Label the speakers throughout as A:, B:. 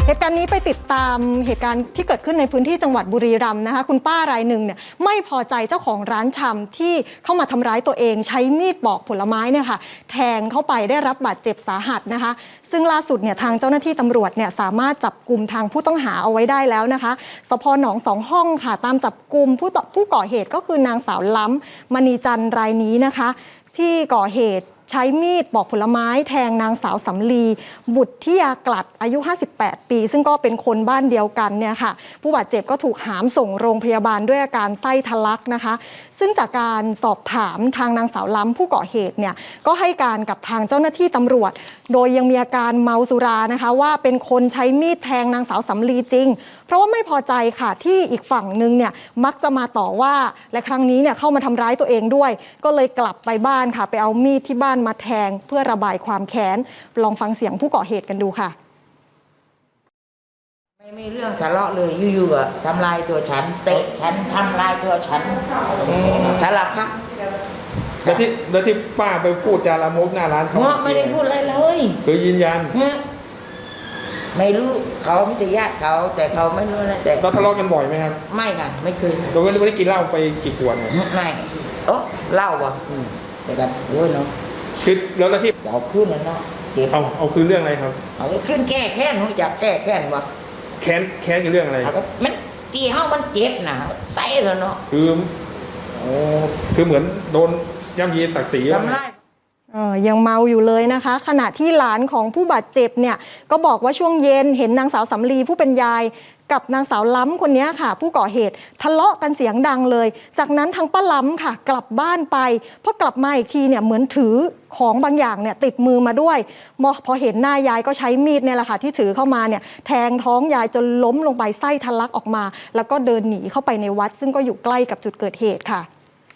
A: เหตุการณ์นี้ไปติดตามเหตุการณ์ที่เกิดขึ้นในพื้นที่จังหวัดบุรีรัมย์นะคะคุณป้ารายหนึ่งเนี่ยไม่พอใจเจ้าของร้านชำที่เข้ามาทำร้ายตัวเองใช้มีดปอกผลไม้เนี่ยค่ะแทงเข้าไปได้รับบาดเจ็บสาหัสนะคะซึ่งล่าสุดเนี่ยทางเจ้าหน้าที่ตำรวจเนี่ยสามารถจับกุมทางผู้ต้องหาเอาไว้ได้แล้วนะคะสพ.หนองสองห้องค่ะตามจับกุมผู้ก่อเหตุก็คือนางสาวล้ำมณีจันทร์รายนี้นะคะที่ก่อเหตุใช้มีดปอกผลไม้แทงนางสาวสำลีบุตรที่ยากลัดอายุ58 ปีซึ่งก็เป็นคนบ้านเดียวกันเนี่ยค่ะผู้บาดเจ็บก็ถูกหามส่งโรงพยาบาลด้วยอาการไส้ทะลักนะคะซึ่งจากการสอบถามทางนางสาวล้ำผู้ก่อเหตุเนี่ยก็ให้การกับทางเจ้าหน้าที่ตำรวจโดยยังมีอาการเมาสุรานะคะว่าเป็นคนใช้มีดแทงนางสาวสำลีจริงเพราะว่าไม่พอใจค่ะที่อีกฝั่งนึงเนี่ยมักจะมาต่อว่าและครั้งนี้เนี่ยเข้ามาทำร้ายตัวเองด้วยก็เลยกลับไปบ้านค่ะไปเอามีดที่บ้านมาแทงเพื่อระบายความแค้นลองฟังเสียงผู้ก่อเหตุกันดูค่ะ
B: ไม่มีเรื่องทะเลาะเลยอยู่ๆก็ทำลายตัวฉันเตะฉันทำลายตัวฉันสารพัด
C: แล้วที่ป้าไปพูดจาลามกหน้าร้านเขา
B: ไม่ได้พูดอะไรเลย
C: คือยืนยัน
B: ไม่รู้เขาไม่ได้ญาติเขาแต่เขาไม่รู้นะแต่
C: เราทะเลาะกันบ่อยไหมครับ
B: ไม่ค่ะไม่เคย
C: เราไม่ได้กินเหล้าไปกี่ขวดเนี่ย
B: ไม่โอ้เหล้าวะแต่กันโอ้ยเนาะ
C: คือแล้วที่
B: เอาคืนนั่นเนาะ
C: เอาคืนเรื่องอะไรครับ
B: เอาคืนแก้แค้นรู้จักแก้แค้นวะ
C: แค้นคือเรื่องอะไร
B: มันตีเฮามันเจ็บนะใส่เลยเนาะ
C: คือเหมือนโดนย่ำยีศักดิ์ศรี
B: ทำร้าย
A: ยังเมาอยู่เลยนะคะขณะที่หลานของผู้บาดเจ็บเนี่ยก็บอกว่าช่วงเย็นเห็นนางสาวสำลีผู้เป็นยายกับนางสาวล้ำคนนี้ค่ะผู้ก่อเหตุทะเลาะกันเสียงดังเลยจากนั้นทางป้าล้ำค่ะกลับบ้านไปพอกลับมาอีกทีเนี่ยเหมือนถือของบางอย่างเนี่ยติดมือมาด้วยพอเห็นหน้ายายก็ใช้มีดเนี่ยแหละค่ะที่ถือเข้ามาเนี่ยแทงท้องยายจนล้มลงไปไส้ทะลักออกมาแล้วก็เดินหนีเข้าไปในวัดซึ่งก็อยู่ใกล้กับจุดเกิดเหตุค่ะ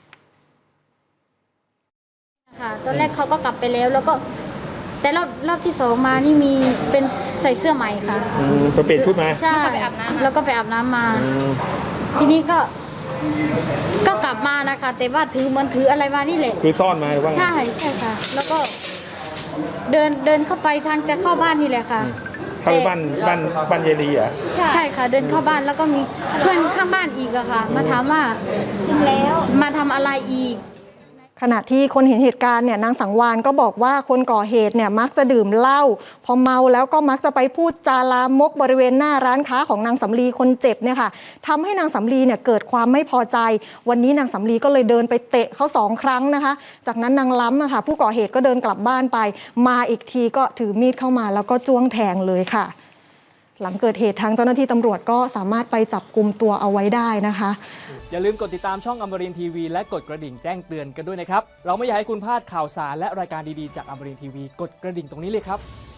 D: ตอนแรกเขาก็กลับไปแล้วก็แต่รอบที่สองมานี่มีเป็นใส่เสื้อใหม่ค่ะ
C: ไปเปลี่ยนชุดมา
D: ใช่แล้วก็ไปอาบน้ำมาทีนี้ก็กลับมานะคะแต่ว่าถืออะไรมานี่แหละ
C: คือซ่อนมาว่า
D: ใช่ค่ะแล้วก็เดินเข้าไปทางจะเข้าบ้านนี่แหละค่ะ
C: เข้าบ้านยายลีอ่ะ
D: ใช่ค่ะเดินเข้าบ้านแล้วก็มีเพื่อนข้างบ้านอีกอะค่ะมาถามว่าแล้วมาทำอะไรอีก
A: ขณะที่คนเห็นเหตุการณ์เนี่ยนางสังวานก็บอกว่าคนก่อเหตุเนี่ยมักจะดื่มเหล้าพอเมาแล้วก็มักจะไปพูดจาลามกบริเวณหน้าร้านค้าของนางสำลีคนเจ็บเนี่ยค่ะทำให้นางสำลีเนี่ยเกิดความไม่พอใจวันนี้นางสำลีก็เลยเดินไปเตะเขา2 ครั้งนะคะจากนั้นนางล้ำค่ะผู้ก่อเหตุก็เดินกลับบ้านไปมาอีกทีก็ถือมีดเข้ามาแล้วก็จ้วงแทงเลยค่ะหลังเกิดเหตุทางเจ้าหน้าที่ตำรวจก็สามารถไปจับกุมตัวเอาไว้ได้นะคะ
E: อย่าลืมกดติดตามช่องอมรินทร์ทีวีและกดกระดิ่งแจ้งเตือนกันด้วยนะครับเราไม่อยากให้คุณพลาดข่าวสารและรายการดีๆจากอมรินทร์ทีวีกดกระดิ่งตรงนี้เลยครับ